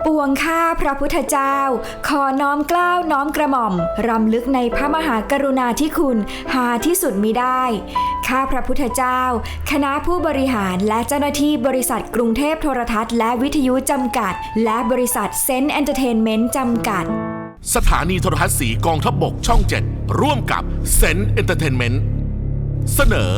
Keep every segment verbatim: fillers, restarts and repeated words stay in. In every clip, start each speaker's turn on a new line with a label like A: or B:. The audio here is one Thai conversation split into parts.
A: ปวงข้าพระพุทธเจ้าขอน้อมเกล้าน้อมกระหม่อมรำลึกในพระมหากรุณาธิคุณหาที่สุดมิได้ข้าพระพุทธเจ้าคณะผู้บริหารและเจ้าหน้าที่บริษัทกรุงเทพโทรทัศน์และวิทยุจำกัดและบริษัทเซนต์เอนเตอร์เทนเมนต์จำกัด
B: สถานีโทรทัศน์สีกองทัพบกช่องเจ็ดร่วมกับเซนต์เอนเตอร์เทนเมนต์เสนอ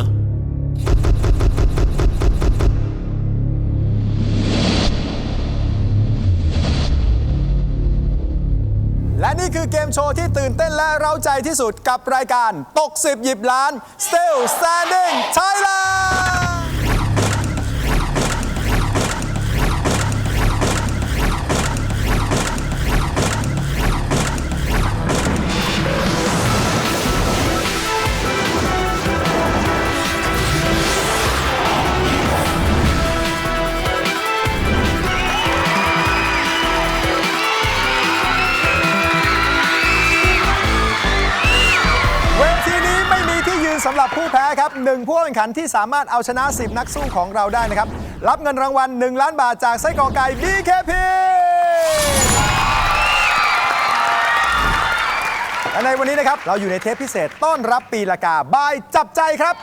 C: และนี่คือเกมโชว์ที่ตื่นเต้นและเร้าใจที่สุดกับรายการตกสิบหยิบล้าน Still Standing Thailandสำหรับผู้แพ้ครับหนึ่งผู้แข่งขันที่สามารถเอาชนะสิบนักสู้ของเราได้นะครับรับเงินรางวัลหนึ่งล้านบาทจากไส้กรอกไก่ บี เค พี และในวันนี้นะครับเราอยู่ในเทปพิเศษต้อนรับปีละกาบายจับใจครับ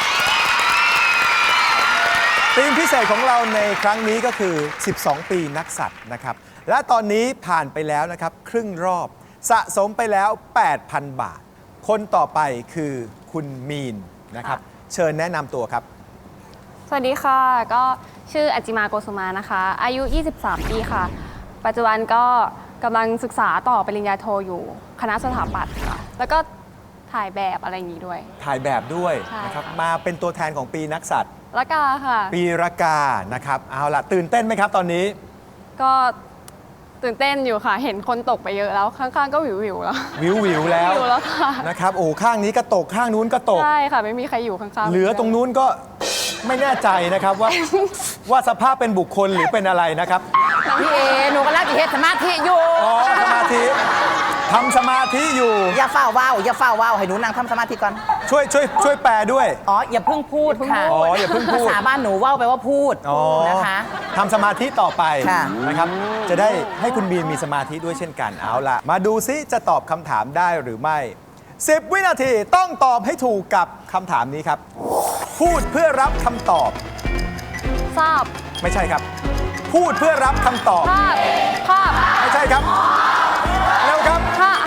C: ธีมพิเศษของเราในครั้งนี้ก็คือสิบสองปีนักสัตว์นะครับและตอนนี้ผ่านไปแล้วนะครับครึ่งรอบสะสมไปแล้ว แปดพัน บาทคนต่อไปคือคุณมีนนะครับเชิญแนะนำตัวครับ
D: สวัสดีค่ะก็ชื่ออัจจิมาโกสุมานะคะอายุยี่สิบสามปีค่ะปัจจุบันก็กำลังศึกษาต่อปริญญาโทอยู่คณะสถาปัตย์ค่ะแล้วก็ถ่ายแบบอะไรอย่างนี้ด้วย
C: ถ่ายแบบด้วยนะครับมาเป็นตัวแทนของปีนักสัตว์
D: ละกาค่ะ
C: ปีละกานะครับเอาล่ะตื่นเต้นไหมครับตอนนี้
D: ก็ตื่นเต้นอยู่ค่ะเห็นคนตกไปเยอะแล้วข้างๆก็วิววิวแล้ว
C: วิววิวแล้ว
D: วิวแล้วค่ะ
C: นะครับโอ้ข้างนี้ก็ตกข้างนู้นก็ตก
D: ใช่ค่ะไม่มีใครอยู่ข้างๆ
C: เหลือตรงนู้นก็ไม่แน่ใจนะครับว่าว่าสภาพเป็นบุคคลหรือเป็นอะไรนะครับ
E: พี่เอหนูก็รักอีเฮ็ดสมาธิอยู่
C: อ๋อสมาธิทำสมาธิอยู่
E: อย่าเฝ้าว่าวอย่าเฝ้าว่าวให้หนูนั่งทำสมาธิก่อน
C: ช่วยช่วยช่วยแปลด้วย
E: อ๋ออย่าเพิ่งพูดค่ะ
C: อ๋ออย่าเพิ่งพูด
E: ภาษาบ้านหนูว่าวแปลว่าพูดนะคะ
C: ทำสมาธิต่อไปนะครับจะได้ให้คุณบีนมีสมาธิด้วยเช่นกันเอาล่ะมาดูซิจะตอบคำถามได้หรือไม่สิบวินาทีต้องตอบให้ถูกกับคำถามนี้ครับพูดเพื่อรับคำตอบ
D: ทราบ
C: ไม่ใช่ครับพูดเพื่อรับคำตอบ
D: ภาพภาพ
C: ไม่ใช่ครับเร็วครับ
D: ภาพ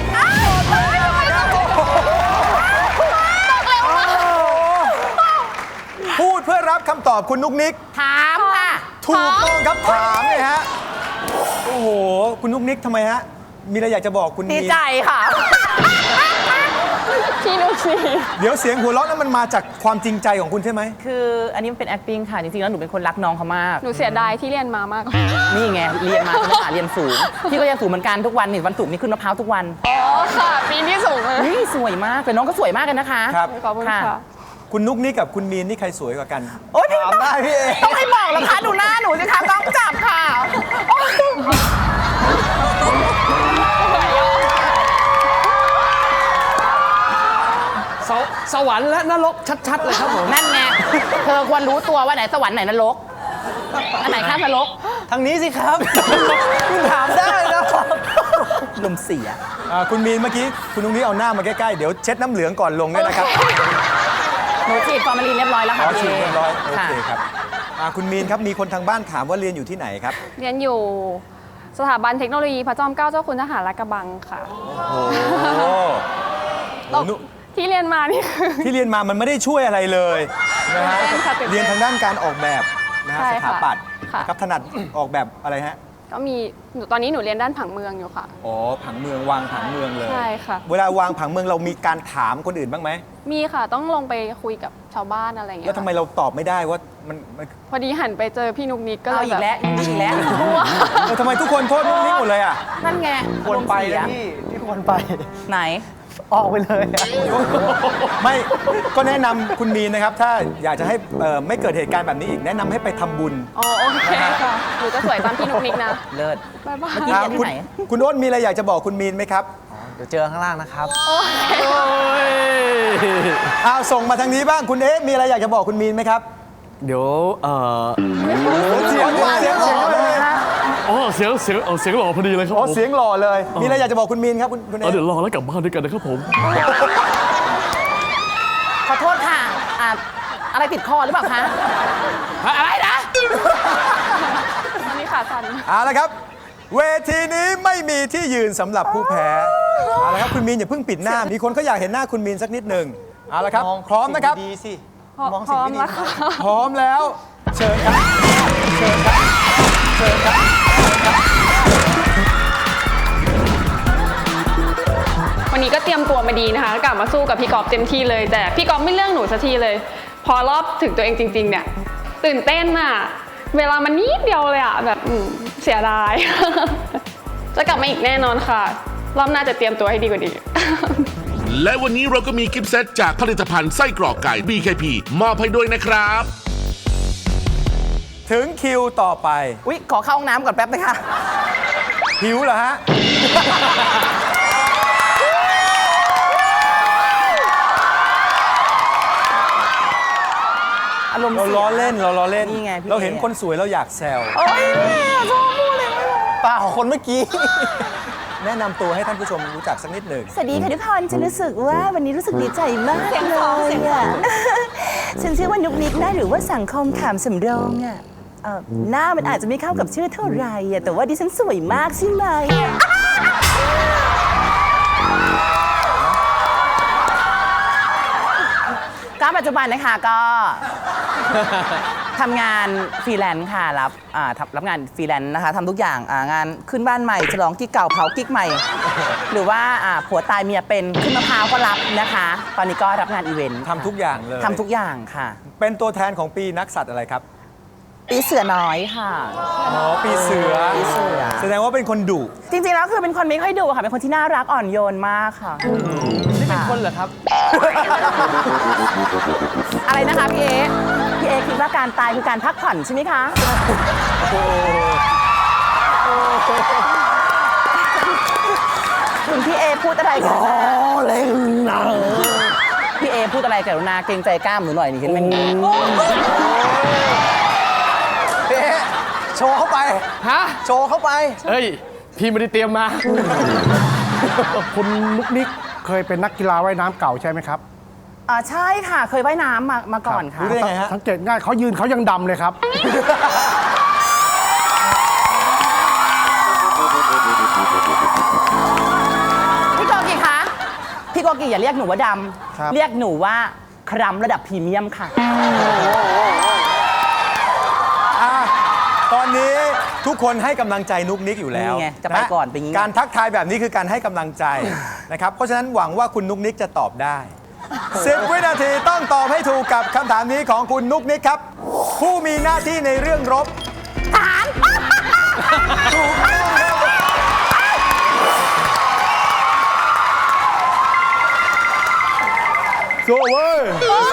C: พูดเพื่อรับคำตอบคุณนุกนิก
E: ถามค่ะ
C: ถูกต้องครับถามเลยฮะโอ้โหคุณนุกนิกทำไมฮะมีอะไรอยากจะบอกคุณ
E: ดีใจค่ะ
D: พี่นุกนิก
C: เดี๋ยวเสียงหัวเราะนั้นมันมาจากความจริงใจของคุณใช่ไหม
E: คืออันนี้มันเป็น acting ค่ะจริงๆแล้วหนูเป็นคนรักน้องเขามาก
D: หนูเสียดายที่เรียนมามาก
E: นี่ไงเรียนมาคุณภาษาเรียนสูงพี่ก็เรียนสูงเหมือนกันทุกวันนี่วันศุกร์นี่ขึ้นมะพร้าวทุกวัน
D: อ๋อค่ะปีนี้สูงเลย
E: นี่สวยมากแต่น้องก็สวยมากกันนะคะ
C: ครับ
D: ขอบคุณค่ะ
C: คุณนุกนิกกับคุณมีนนี่ใครสวยกว่ากัน
E: โอ๊ย
C: ถามได้พี่เอ
E: ต้องให้บอกแล้วค่ะดูหน้าหนูสิคะต้องจับค่ะ
F: สวรรค์และนรกชัดๆเลยครับผม
E: นั่นไงเธอควรรู้ตัวว่าไหนสวรรค์ไหนนรกอันไหนข้ามนรก
C: ทางนี้สิครับคุณถามได้นะ
E: ลมเสีย
C: คุณมีนเมื่อกี้คุณนุกนิกเอาหน้ามาใกล้ๆเดี๋ยวเช็ดน้ำเหลืองก่อนลงด้วยนะครับ
E: หนูฉีดฟอร์มาลีนเรียบร้อยแล้วค่ะ
C: ฉีดเรียบร้อยโอเคครับคุณมีนครับมีคนทางบ้านถามว่าเรียนอยู่ที่ไหนครับ
D: เรียนอยู่สถาบันเทคโนโลยีพระจอมเกล้าเจ้าคุณทหารลาดกระบังค่ะ
C: โอ้โห
D: ที่เรียนมานี่คือ
C: ที่เรียนมามันไม่ได้ช่วยอะไรเลยนะฮะเรียนทางด้านการออกแบบนะฮะสถาปัตย์ครับถนัดออกแบบอะไรฮะ
D: ก็มีตอนนี้หนูเรียนด้านผังเมืองอยู่ค่ะ
C: อ๋อผังเมืองวางผังเมืองเลย
D: ใช่ค่ะ
C: เวลาวางผังเมืองเรามีการถามคนอื่นบ้างไหม
D: มีค่ะต้องลงไปคุยกับชาวบ้านอะไรอย่างเงี้ย
C: แล้วทำไมเราตอบไม่ได้ว่ามัน
D: พอดีหันไปเจอพี่นุกนิกก็
E: เลยอีกแล้วอีกแล้ว
C: ทำไมทุกคนโทษนุกนิกหมดเลยอ่ะ
E: นั่นไง
F: ควรไปนะพี่ที่ควรไป
E: ไหน
F: ออกไปเลย
C: ไม่ก็แนะนำคุณมีนนะครับถ้าอยากจะให้ไม่เกิดเหตุการณ์แบบนี้อีกแนะนำให้ไปทำบุญ
D: อ๋อโอเคค่ะหนูจะสวยตามพี่นุกนิกนะ
E: เลิศ
D: บ๊ายบาย
E: ที่ไหน
C: คุณอ้นมีอะไรอยากจะบอกคุณมีนไหมครับ
F: เดี๋ยวเจอข้างล่างนะครับ
C: เอาส่งมาทางนี้บ้างคุณเอ๊ะมีอะไรอยากจะบอกคุณมีนไหมครับ
F: เดี๋ยวเออ
C: เสียงเสียงเสียงเลย
G: อ๋อเสียงเสียงเอาเสียงหล่อพอดีเลยครับ
C: อ๋อ
G: ผม
C: เสียงหล่อเลย มีอะไรอยากจะบอกคุณมีนครับคุณคุณเอ
G: เอาเดี๋ยวรอแล้วกลับบ้านด้วยกันนะครับผม
E: ขอโทษค่ะอ่าอะไรติดคอหรือเปล่าคะอะไรนะ
D: วันนี้ขาสั่น
C: เอาละครับ เวทีนี้ไม่มีที่ยืนสำหรับผู้แพ้เอาละครับคุณมีนอย่าเพิ่งปิดหน้า มีคนเขาอยากเห็นหน้าคุณมีนสักนิดหนึ่งเอาละครับ
F: มอง
C: พร้อมนะครับ
F: สิ่งดีๆสิ
D: พร้อม
F: มองสิ่งไม่ดี
D: แล้วค่ะ
C: พร้อมแล้ว เชิญครับ เชิญครับ เชิญครับ
D: วันนี้ก็เตรียมตัวมาดีนะคะกลับมาสู้กับพี่กอล์ฟเต็มที่เลย แต่พี่กอล์ฟไม่เลือกหนูสักทีเลย พอรอบถึงตัวเองจริง ๆ เนี่ย ตื่นเต้นอะเวลามันนิดเดียวเลยอะแบบอืมเสียดาย จะกลับมาอีกแน่นอนค่ะ รอบหน้าจะเตรียมตัวให้ดีกว่านี้
B: และวันนี้เราก็มีกิฟต์เซตจากผลิตภัณฑ์ไส้กรอกไก่ บี เค พี มอบให้ด้วยนะครับ
C: ถึงคิวต่อไป
E: อุ๊ย ขอเข้าห้องน้ำก่อนแป๊บนะคะ
C: หิวเหรอฮะ
E: อารมณ์
C: เรา
E: เสีย
C: ล้อเล่นเราล้อเล่น
E: นี่ไงพี่
C: เราเห็น
E: เอ
C: คนสวยเราอยากแซว
E: โอ๊ยชอบพูดเลยไม่บอก
C: เปล่าคนเมื่อกี้ แนะนำตัวให้ท่านผู้ชมรู้จักสักนิดหนึ่ง
H: สวัสดีค่ะทุกคนฉันรู้สึกว่าวันนี้รู้สึกดีใจมากเลยอ่ะ ฉันชื่อว่านุกนิกนะหรือว่าสังคมขามสำโรงอ่ะเอ่อหน้ามันอาจจะไม่เข้ากับชื่อเท่าไหร่อ่ะแต่ว่าดิฉันสวยมากใช่ไหม
E: ก็ปัจจุบันนะคะก็ ทำงานฟรีแลนซ์ค่ะรับอ่าทำรับงานฟรีแลนซ์นะคะทำทุกอย่างอ่างานขึ้นบ้านใหม่ฉลองกิ๊กเก่าเผากิ๊กใหม่ หรือว่าอ่าผัวตายเมียเป็นขึ้นมะพร้าวก็รับนะคะ ตอนนี้ก็รับงานอีเวนต์
C: ทำทุกอย่างเลย
E: ทำทุกอย่างค่ะ
C: เป็นตัวแทนของปีนักสัตว์อะไรครับ
E: ปีเสือน้อยค่ะ
C: อ๋อ ปีเสือ
E: ปีเสือ
C: แสดงว่าเป็นคนดุ
E: จริงๆแล้วคือเป็นคนไม่ค่อยดุค่ะ เป็นคนที่น่ารักอ่อนโยนมากค่ะ
F: นี่เป็นคนเหรอครับ
E: อะไรนะคะพี่เอพี่เอคิดว่าการตายคือการพักผ่อนใช่ไหมคะคุณพี่เอพูดอะไรกันเล่นนะพี่เอพูดอะไรกรุณาเกรงใจกล้ามหนูหน่อยนี่เห็นไหม
F: เอ๊ะโชว์เข้าไป
G: ฮะ
F: โชว์เข้าไป
G: เฮ้ย พี่ไม่ได้เตรียมมา
I: คุณนุกนิกเคยเป็นนักกีฬาว่ายน้ำเก่าใช่ไหมครับ
E: อ่าใช่ค่ะ เคยว่ายน้ำมามาก่อนค่ะ
C: รู้ได้ไงฮะ
I: สังเกตง่ายเขายืนเขายังดำเลยครับ
E: พี่โกกิคะ พี่โกกิอย่าเรียกหนูว่าด
I: ครับ
E: ำ เรียกหนูว่าครัมระดับพรีเมียมค่ะ
C: อ่ะตอนนี้ทุกคนให้กำลังใจนุกนิกอยู่แล้ว
E: นี่ไงจะไปก่อนเป็นอย่างงี้
C: การทักทายแบบนี้คือการให้กำลังใจ นะครับ เพราะฉะนั้นหวังว่าคุณนุกนิกจะตอบได้สิบวินาทีต้องตอบให้ถูกกับคำถามนี้ของคุณนุกนิกครับ ผู้มีหน้าที่ในเรื่องรบทหารถูกต้องครับโซ่เว้ย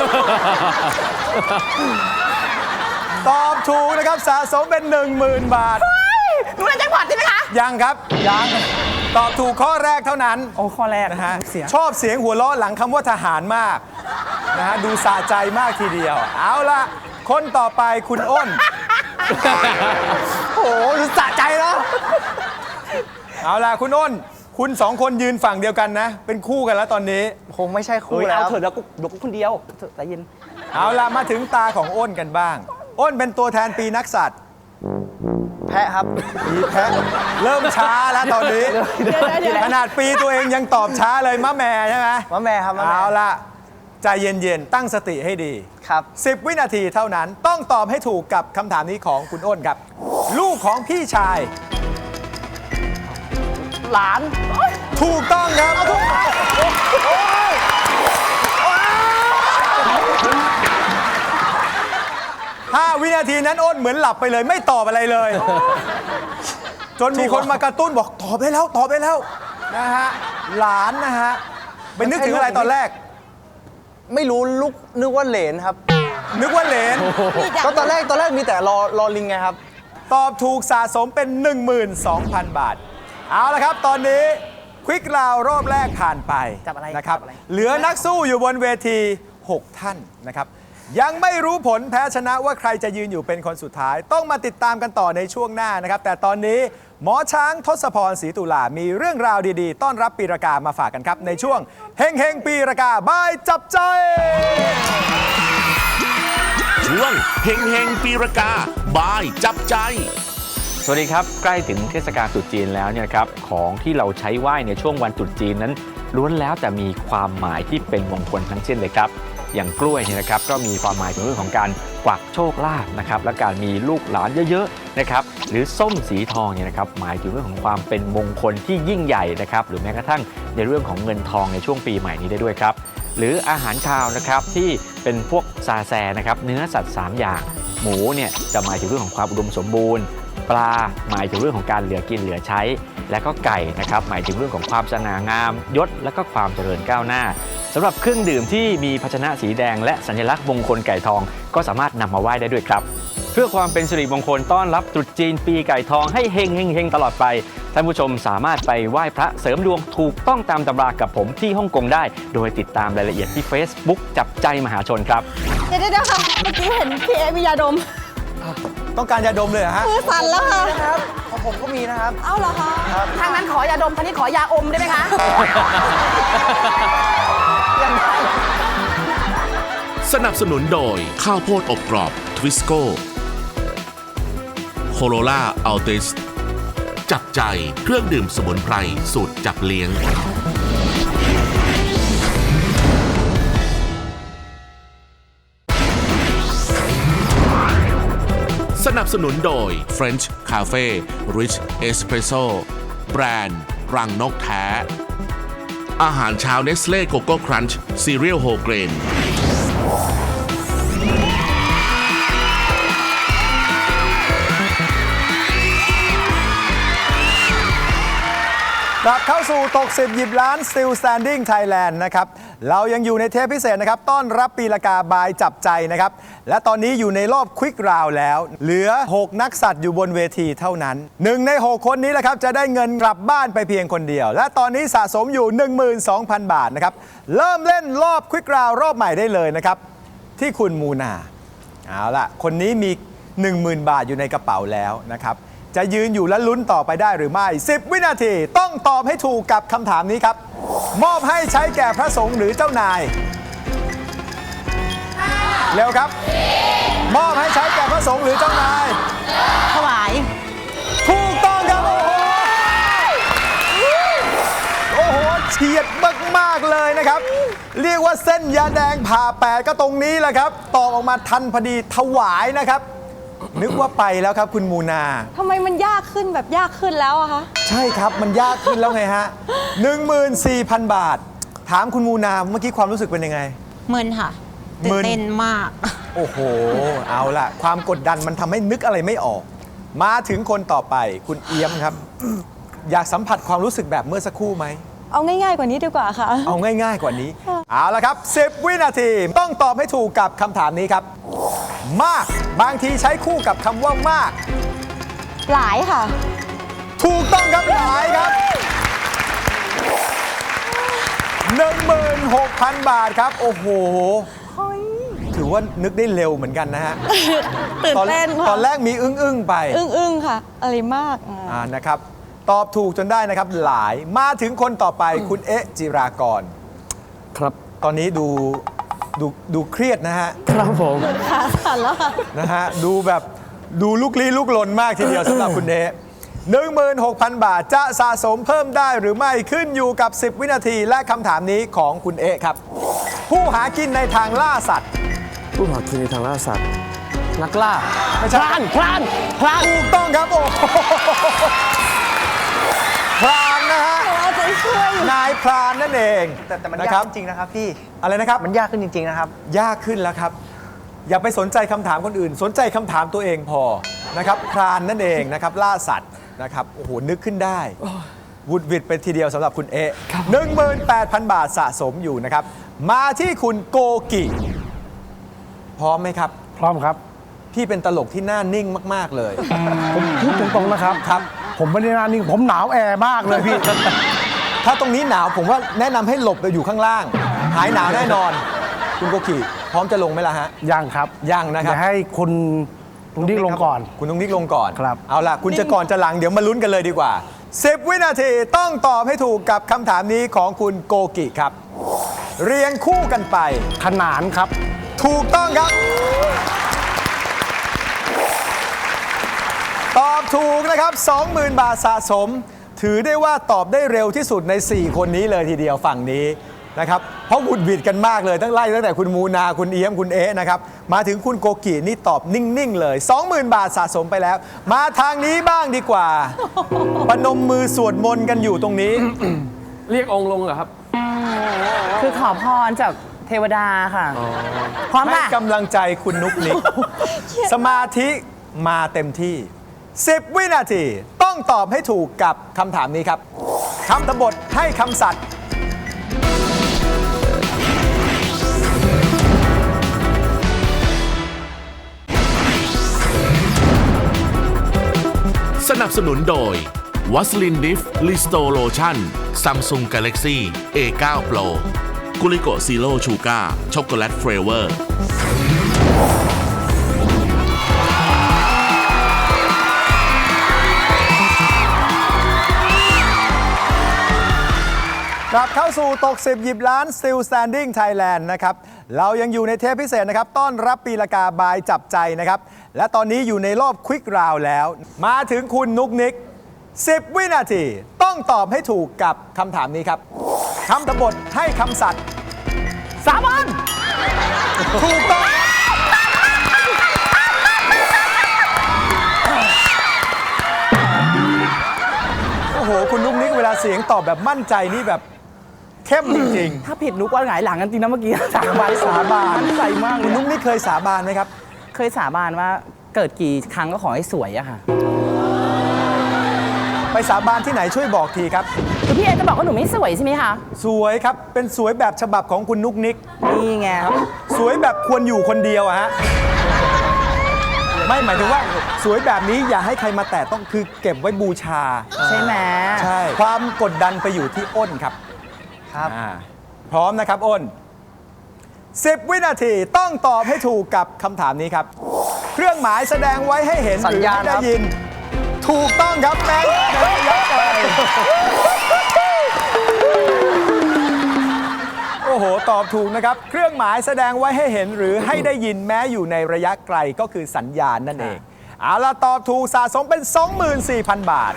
C: ตอบถูกนะครับสะสมเป็น หนึ่งหมื่น บาท
E: หนูเล่นแจ็คพอตใช่ไหมคะ
C: ยังครับ ยัง ตอบถูกข้อแรกเท่านั้น
E: โอ้ข้อแรก
C: นะฮะ
E: เสีย
C: ชอบเสียงหัวเราะหลังคำว่าทหารมากนะฮะดูสะใจมากทีเดียว เอาละคนต่อไปคุณอ้น
F: โอ้โหสะใจแล้ว
C: เอาละคุณอ้น คุณสองคนยืนฝั่งเดียวกันนะ เป็นคู่กันแล้วตอนนี้
F: คงไม่ใช่คู่
E: เฮ้ย
F: แล้
E: เอา
F: ว
E: เถอะแล้วกูเดี๋ยวกูคนเดียวเถอะใจเย็น
C: เอาละมาถึงตาของอ้นกันบ้าง อ้นเป็นตัวแทนปีนักสัตว์
F: แพะครับ
C: ปีแพะเริ่มช้าแล้วตอนนี้ ขนาดปีตัวเองยังตอบช้าเลยมะแม่ใช่ไหม
F: มะแม่ครับมะแม่
C: เอาละใจเย็นๆ ตั้งสติให้ดี
F: ครับ
C: สิบ วินาทีเท่านั้นต้องตอบให้ถูกกับคำถามนี้ของคุณอ้นครับ ลูกของพี่ชาย
E: หลาน
C: ถูกต้องครับห้าวินาทีนั้นอ้นเหมือนหลับไปเลย ไม่ตอบอะไรเลย จนมีคนมากระตุ้นบอกตอบได้แล้วตอบได้แล้วนะฮะหลานนะฮะไปนึกถึงอะไรตอนแรก
F: ไม่รู้ลูกนึกว่าเหลนครับ
C: นึกว่าเหลน
F: ก็ตอนแรกตอนแรกมีแต่รอรอลิงไงครับ
C: ตอบถูกสะสมเป็น หนึ่งหมื่นสองพัน บาท เอาละครับตอนนี้ควิกราวรอบแรกผ่านไป
E: จับอะไร
C: นะครับ
E: จับอะไร
C: เหลือนักสู้อยู่บนเวที หก ท่านนะครับยังไม่รู้ผลแพ้ชนะว่าใครจะยืนอยู่เป็นคนสุดท้าย ต้องมาติดตามกันต่อในช่วงหน้านะครับแต่ตอนนี้หมอช้างทศพรศรีตุลามีเรื่องราวดีๆต้อนรับปีรากามาฝากกันครับในช่วงเฮงเฮงปีรากาบายจับใจ
B: ช่วงเฮงเฮงปีรากาบายจับใจ
J: สวัสดีครับใกล้ถึงเทศกาลตรุษจีนแล้วเนี่ยครับของที่เราใช้ไหว้ในช่วงวันตรุษจีนนั้นล้วนแล้วแต่มีความหมายที่เป็นมงคลทั้งสิ้นเลยครับอย่างกล้วยเนี่ยนะครับก็มีความหมายถึงเรื่องของการกวักโชคลาภนะครับและการมีลูกหลานเยอะๆนะครับหรือส้มสีทองเนี่ยนะครับหมายถึงเรื่องของความเป็นมงคลที่ยิ่งใหญ่นะครับหรือแม้กระทั่งในเรื่องของเงินทองในช่วงปีใหม่นี้ได้ด้วยครับหรืออาหารคาวนะครับที่เป็นพวกซาแซนะครับเนื้อสัตว์สามอย่างหมูเนี่ยจะหมายถึงเรื่องของความอุดมสมบูรณ์ปลาหมายถึงเรื่องของการเหลือกินเหลือใช้และก็ไก่นะครับหมายถึงเรื่องของความสง่างามยศและก็ความเจริญก้าวหน้าสำหรับเครื่องดื่มที่มีภาชนะสีแดงและสัญลักษณ์มงคลไก่ทองก็สามารถนำมาไหว้ได้ด้วยครับเพื่อความเป็นสิริมงคลต้อนรับตรุษจีนปีไก่ทองให้เฮงเฮงเฮงตลอดไปท่านผู้ชมสามารถไปไหว้พระเสริมดวงถูกต้องตามตำรากับผมที่ฮ่องกงได้โดยติดตามรายละเอียดที่ Facebook จับใจมหาชนครับ
K: เดี๋ยวเดี๋ยวค่ะเมื่อกี้เห็นพี่เอมียาดม
C: ต้องการยาดมเลยเหรอฮะ
K: มือสั่นแล้วค่ะ
F: นะครับของผมก็มีนะครับ
K: เอ้าเหรอคะ
E: ทางนั้นขอยาดมทางนี้ขอยาอมได้ไหมคะ
B: สนับสนุนโดยข้าวโพดอบกรอบทวิสโก้โคโรล่าอัลติสจับใจเครื่องดื่มสมุนไพรสูตรจับเลี้ยงสนับสนุนโดย French Cafe Rich Espresso แบรนด์รังนกแท้ อาหารเช้าเนสเล่โกโก้ครันช์ซีเรียลโฮเกรน
C: กลับเข้าสู่ตกสิบหยิบล้าน Still Standing Thailand นะครับเรายังอยู่ในเทปพิเศษนะครับต้อนรับปีละกาบายจับใจนะครับและตอนนี้อยู่ในรอบควิกราวแล้วเหลือหกนักสัตว์อยู่บนเวทีเท่านั้นหนึ่งในหกคนนี้แหละครับจะได้เงินกลับบ้านไปเพียงคนเดียวและตอนนี้สะสมอยู่ หนึ่งหมื่นสองพัน บาทนะครับเริ่มเล่นรอบควิกราวรอบใหม่ได้เลยนะครับที่คุณมูนาเอาล่ะคนนี้มี หนึ่งหมื่น บาทอยู่ในกระเป๋าแล้วนะครับจะยืนอยู่และลุ้นต่อไปได้หรือไม่สิบวินาทีต้องตอบให้ถูกกับคำถามนี้ครับมอบให้ใช้แก่พระสงฆ์หรือเจ้านายเร็วครับมอบให้ใช้แก่พระสงฆ์หรือเจ้านายถวายถูกต้องครับโอ้โหโอ้โหเฉียดมากๆเลยนะครับเรียกว่าเส้นยาแดงผ่าแปดก็ตรงนี้แหละครับตอบออกมาทันพอดีถวายนะครับนึกว่าไปแล้วครับคุณมูนา
K: ทำไมมันยากขึ้นแบบยากขึ้นแล้วอะคะ
C: ใช่ครับมันยากขึ้นแล้วไงฮะ หนึ่งหมื่นสี่พัน บาทถามคุณมูนาเมื่อกี้ความรู้สึกเป็นยังไง
K: มึนค่ะตื่นเต้นมาก
C: โอ้โหเอาล่ะความกดดันมันทำให้นึกอะไรไม่ออกมาถึงคนต่อไปคุณเอี้ยมครับ อยากสัมผัสความรู้สึกแบบเมื่อสักครู่ไหม
K: เอาง่ายๆกว่านี้ดีกว่าค่ะ
C: เอาง่ายๆกว่านี้เอาล่ะครับสิบวินาทีต้องตอบให้ถูกกับคำถามนี้ครับมากบางทีใช้คู่กับคำว่ามาก
K: หลายค่ะ
C: ถูกต้องครับหลายครับ หนึ่งหมื่นหกพัน บาทครับโอ้โหถือว่านึกได้เร็วเหมือนกันนะฮะ
K: ตื่นเต้น
C: ตอนแรกมีอึ้งๆไป
K: อึ้งๆค่ะอะไรมาก
C: อ่านะครับตอบถูกจนได้นะครับหลายมาถึงคนต่อไปคุณเอ๊ะจิรากร
G: ครับ
C: ตอนนี้ดูดูดูเครียดนะฮะ
G: ครับผม
K: ขาสั่นแล้ว
C: นะฮะดูแบบดูลุกลี้ลุกลนมากทีเดียวสำหรับคุณเอ๊ะ หนึ่งหมื่นหกพัน บาทจะสะสมเพิ่มได้หรือไม่ขึ้นอยู่กับสิบวินาทีและคำถามนี้ของคุณเอ๊ะครับผู้หากินในทางล่าสัตว์
G: ผู้หากินในทางล่าสัตว์นักล่า
C: ไม่ใช่
G: พรานพรานพราน
C: ถูกต้องครับโอ้พรานนะฮะนายพรานนั่นเอง
F: แต่แต่มันยากจริงนะครับพี่
C: อะไรนะครับ
F: มันยากขึ้นจริงๆนะครับ
C: ยากขึ้นแล้วครับอย่าไปสนใจคำถามคนอื่นสนใจคำถามตัวเองพอนะครับพรานนั่นเองนะครับล่าสัตว์นะครับโอ้โหนึกขึ้นได้วุดวิดไปทีเดียวสำหรับคุณเอ๊ะ หนึ่งหมื่นแปดพัน บาทสะสมอยู่นะครับมาที่คุณโกกิพร้อมไหมครับ
I: พร้อมครับ
C: พี่เป็นตลกที่หน้านิ่งมากๆเลย
I: ผมพูดตรงๆนะครับ
C: ครับ
I: ผมไม่ได้หน้านิ่งผมหนาวแอร์มากเลยพี่
C: ถ้าตรงนี้หนาวผมว่าแนะนำให้หลบไปอยู่ข้างล่างหายหนาวแน่นอนคุณโกกิพร้อมจะลงไหมล่ะฮะ
I: ยังครับ
C: ยังนะครับ
I: เดี๋ยวให้คุณลุงนิกลงก่อน
C: คุณนุ๊กนิกลงก่อน
I: ครับ
C: เอาล่ะคุณจะก่อนจะหลังเดี๋ยวมาลุ้นกันเลยดีกว่าสิบวินาทีต้องตอบให้ถูกกับคำถามนี้ของคุณโกกิครับ เรียงคู่กันไป
I: ขนานครับ
C: ถูกต้องครับ ตอบถูกนะครับ สองหมื่น บาทสะสม ถือได้ว่าตอบได้เร็วที่สุดใน สี่ คนนี้เลยทีเดียวฝั่งนี้นะครับเพราะบุดบิดกันมากเลยตั้งไล่ตั้งแต่คุณมูนาคุณเอี้ยมคุณเอ๊ะนะครับมาถึงคุณโกกินี่ตอบนิ่งๆเลย สองหมื่น บาทสะสมไปแล้ว มาทางนี้บ้างดีกว่าปนมมือสวดมนต์กันอยู่ตรงนี้
G: เรียกองค์ลงเหรอครับ
E: คือขอพรจากเทวดาค่ะ พร้อม
C: ให้
E: ค่ะ
C: กำลังใจคุณนุกนิก สมาธิมาเต็มที่ สิบ วินาทีต้องตอบให้ถูกกับคำถามนี้ครับคำตบทให้คำสัตย์
B: สนับสนุนโดยวัสลินดิฟลิสโตโลชั่น Samsung Galaxy เอ ไนน์ Pro กุลิโกซีโร่ชูการ์ช็อกโกแลตเฟรเวอร์
C: กลับเข้าสู่ตกสิบหยิบล้าน Still Standing Thailand นะครับเรายังอยู่ในเทปพิเศษนะครับต้อนรับปีละกาบายจับใจนะครับและตอนนี้อยู่ในรอบควิกราวแล้ว มาถึงคุณนุกนิก สิบ วินาทีต้องตอบให้ถูกกับคำถามนี้ครับคำตบทให้คำสัตย์
E: สาบาน
C: ถูกต้องโอ้โหคุณนุกนิกเวลาเสียงตอบแบบมั่นใจนี่แบบเข้มจริงๆ
E: ถ้าผิดนุกว่าหงายหลังกันจริงนะเมื่อกี้ สาบาน
C: สาบาน
E: มั่นใจมากเล
C: คุณ
E: ย
C: นุ๊กนี่เคยสาบานไหมครับ
E: เคยสาบานว่าเกิดกี่ครั้งก็ขอให้สวยอะค่ะ
C: ไปสาบานที่ไหนช่วยบอกทีครับ
E: คือพี่เอจะบอกว่าหนูไม่สวยใช่ไหมคะ
C: สวยครับ เป็นสวยแบบฉบับของคุณนุ๊กนิก
E: นี่ไง
C: สวยแบบควรอยู่คนเดียวอะฮะ ไม่หมายถึงว่าสวยแบบนี้อย่าให้ใครมาแตะต้องคือเก็บไว้บูชา
E: ใช่ไหม
C: ใช่ ความกดดันไปอยู่ที่อ้นครับ
F: ครับ
C: อ่าพร้อมนะครับอ้น สิบ วินาทีต้องตอบให้ถูกกับคำถามนี้ครับ เครื่องหมายแสดงไว้ให้เห็น
F: สั
C: ห
F: ญ
C: รือ
F: ญาณ
C: ให้ได้
F: ครับ
C: ยิน ถูกต้องครับแม็กซ์ในระยะไกลโอ้โห ตอบถูกนะครับ เครื่องหมายแสดงไว้ให้เห็นหรือให้ได้ยินแม้อยู่ในระยะไกลก็คือสัญญาณนั่นเอง เอาล่ะตอบถูกสะสมเป็น สองหมื่นสี่พัน บาท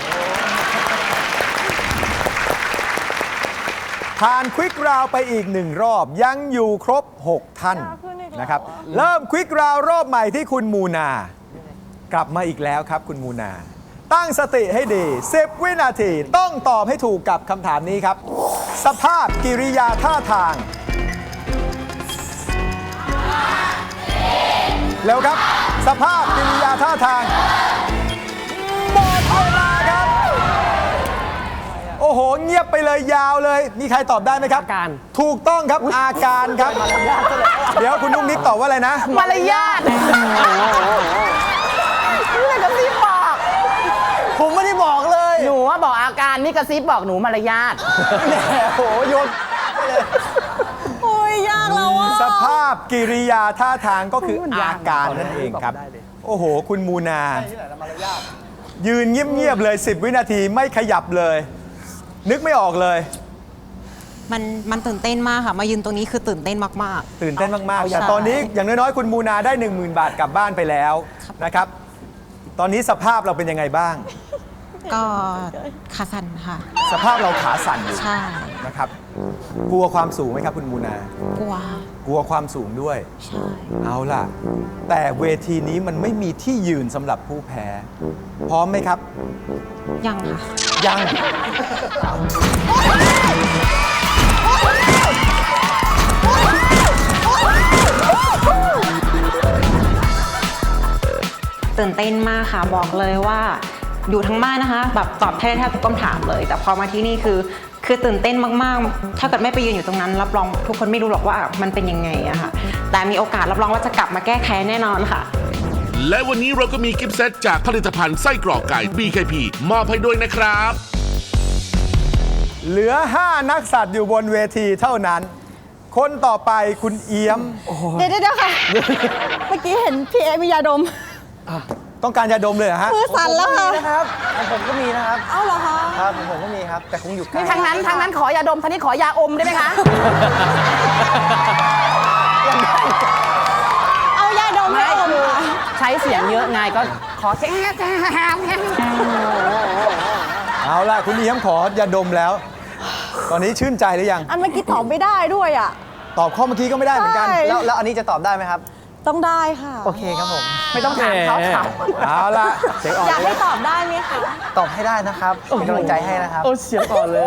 C: ผ่านควิกราวไปอีกหนึ่งรอบยังอยู่ครบ หก ท่านนะครับ เริ่มควิกราวรอบใหม่ที่คุณมูนา กลับมาอีกแล้วครับคุณมูนา ตั้งสติให้ดี สิบ วินาทีต้องตอบให้ถูกกับคำถามนี้ครับ สภาพกิริยาท่าทางเร็วครับ สภาพกิริยาท่าทางหมดเวลาครับ โอ้โห เงียบไปเลยยาวเลย มีใครตอบได้ไหมครับ
G: อาการ
C: ถูกต้องครับอาการครับ เดี๋ยวคุณนุ๊กนิกตอบว่าอะไรนะ
E: มารยาทนี่เลยกระซิบบอก
F: ผมไม่ได้บอกเลย
E: หนูว่าบอกอาการนี่กระซิบบอกหนูมารยาท
F: แหมโอ้โหโยน
K: โอ้ยยากแล้วอ่ะ
C: สภาพกิริยาท่าทางก็คืออาการนั่นเองครับ โอ้โห คุณมูนา ยืนเงียบ ๆ เลย สิบ วินาทีไม่ขยับเลย นึกไม่ออกเลย
K: มันมันตื่นเต้นมากค่ะ มายืนตรงนี้คือตื่นเต้นมาก
C: ตื่นเต้นมาก ๆ
K: ใช่
C: แต่ตอนนี้อย่างน้อย ๆ คุณมูนาได้ หนึ่งหมื่น บาทกลับบ้านไปแล้วนะครับ ตอนนี้สภาพเราเป็นยังไงบ้าง
K: ๆ ก็ขาสั่นค่ะ
C: สภาพเราขาสั่นอยู่
K: ใช่
C: นะครับ กลัวความสูงไหมครับคุณมูนา
K: กลัว
C: กลัวความสูงด้วย
K: ใช่
C: เอาล่ะ แต่เวทีนี้มันไม่มีที่ยืนสำหรับผู้แพ้ พร้อมไหมครับ
K: ยังค่ะ
C: ยัง
K: ตื่นเต้นมากค่ะ บอกเลยว่าอยู่ทั้งบ้านนะคะ แบบตอบแทบแทบทุกคำถามเลย แต่พอมาที่นี่คือ คือตื่นเต้นมากๆ ถ้าเกิดไม่ไปยืนอยู่ตรงนั้น รับรองทุกคนไม่รู้หรอกว่ามันเป็นยังไงอะค่ะ แต่มีโอกาสรับรองว่าจะกลับมาแก้แค้นแน่นอนค่ะ
B: และวันนี้เราก็มีกิฟต์เซตจากผลิตภัณฑ์ไส้กรอกไก่ บี เค พี มอบให้ด้วยนะครับ
C: เหลือ ห้า นักสัตว์อยู่บนเวทีเท่านั้นคนต่อไปคุณเอี้ยม
L: เดี๋ยวเดี๋ยวค่ะ เมื่อกี้เห็นพี่เอมียาดม
C: ต้องการยาดมเลยเหรอฮะ
L: มือสั่นแล้วค่ะ
F: นะครับของผมก็มีนะครับ
L: เอ้าเหรอคะ
F: ครับของผมก็มีครับ แต่คงอยู่ใกล้
E: ทางนั้นทางนั้นขอยาดมทางนี้ขอยาอมได้ไหมคะ
L: เอายาดมให้อมค่ะ
E: ใช้เสียงเยอะไงก็ขอแค่
C: เอาล่ะคุณเอี้ยมขอยาดมแล้ว ตอนนี้ชื่นใจหรือยัง
L: อันเมื่อกี้ตอบไม่ได้ด้วยอ่ะ
C: ตอบข้อเมื่อกี้ก็ไม่ได้เหมือนกัน
L: ใช่
F: แล้วแล้วอันนี้จะตอบได้ไหมครับ
L: ต้องได้ค่ะ
F: โอเคครับผม
E: ไม่ต้องถามเขาถาม
C: เอาล่ะเสียงอ่อน
L: อยากให้ตอบได้ไหมคะ
F: ตอบให้ได้นะครับเป็นกำลังใจให้นะครับ
G: โอ้เสียงอ่อนเลย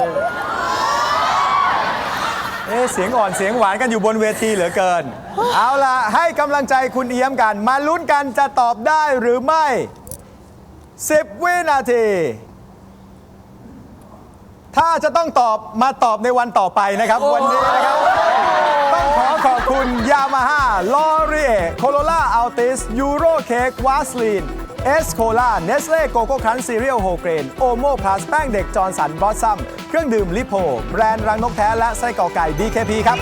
C: เอ๊ะเสียงอ่อนเสียงหวานกันอยู่บนเวทีเหลือเกิน เอาล่ะให้กำลังใจคุณเอี้ยมกัน มาลุ้นกันจะตอบได้หรือไม่ สิบ วินาที ถ้าจะต้องตอบมาตอบในวันต่อไปนะครับ วันนี้นะครับ ต้องขอขอบคุณยามาฮ่าลอรีเอโคโรล่าอัลติสยูโรเค้กวาสลีนเอสโคล่าเนสเล่โกโก้ครันซีเรียลโฮเกรนโอโมพลัสแป้งเด็กจอร์นสันบอสซัมเครื่องดื่มลิโพแบรนด์รังนกแท้และไส้กรอกไก่ ดี เค พี ครับ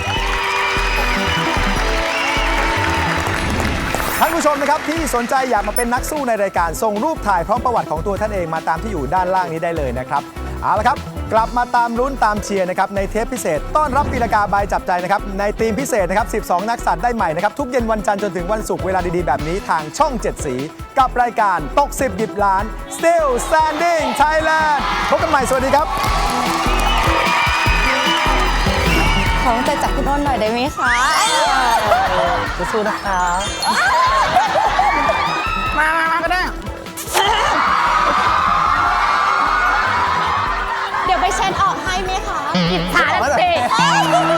C: ท่านผู้ชมนะครับที่สนใจอยากมาเป็นนักสู้ในรายการส่งรูปถ่ายพร้อมประวัติของตัวท่านเองมาตามที่อยู่ด้านล่างนี้ได้เลยนะครับเอาละครับกลับมาตามลุ้นตามเชียร์นะครับในเทปพิเศษต้อนรับปีละกาบายจับใจนะครับในทีมพิเศษนะครับสิบสองนักสัตว์ได้ใหม่นะครับทุกเย็นวันจันทร์จนถึงวันศุกร์เวลาดีๆแบบนี้ทางช่องเจ็ดสีกับรายการตกสิบหยิบล้าน Still Standing Thailand พบกันใหม่สวัสดีครับ
L: ของใจจับคุณอ้นหน่อยได้ไหมคะ
F: สู้ๆนะครับ
E: มามามาก็ได้
L: เดี๋ยวไปเช็ดออกให้ไหมคะ
E: อิจฉาแล้วสิ